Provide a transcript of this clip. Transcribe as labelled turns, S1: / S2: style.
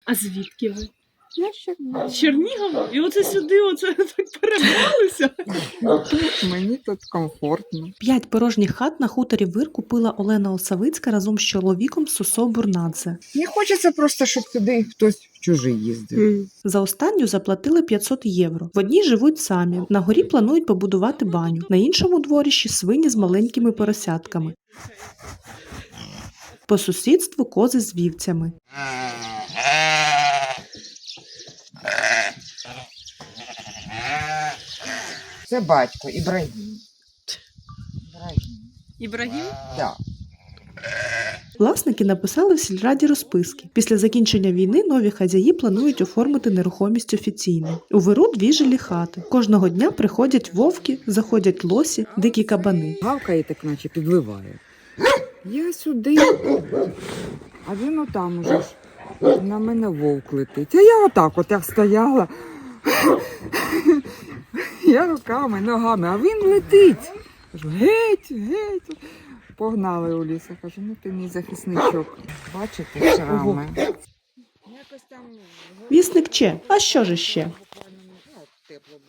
S1: А звідки ви?
S2: Я ще не.
S1: З Чернігова? І оце сюди, оце так перебралися?
S2: Мені тут комфортно.
S3: 5 порожніх хат на хуторі Вир купила Олена Осавицька разом з чоловіком Сосо Бурнадзе.
S2: Не хочеться просто, щоб туди хтось чужий їздив.
S3: За останню заплатили 500 євро. В одній живуть самі. На горі планують побудувати баню. На іншому дворищі свині з маленькими поросятками. По сусідству кози з вівцями.
S2: Це батько Ібрагім.
S1: Ібрагім?
S2: Да.
S3: Власники написали в сільраді розписки. Після закінчення війни нові хазяї планують оформити нерухомість офіційно. У Виру 2 жилі хати. Кожного дня приходять вовки, заходять лосі, дикі кабани.
S2: Гавкає так, наче підливає. Я сюди, а він отам уже ж. На мене вовк летить. А я отак от як стояла. Я руками, ногами, а він летить. Кажу, геть, геть. Погнали у ліс. Я кажу, ну ти мій захисничок. Бачите, шрами. Якось там
S3: Вісник Че, а що ж іще?
S2: тепло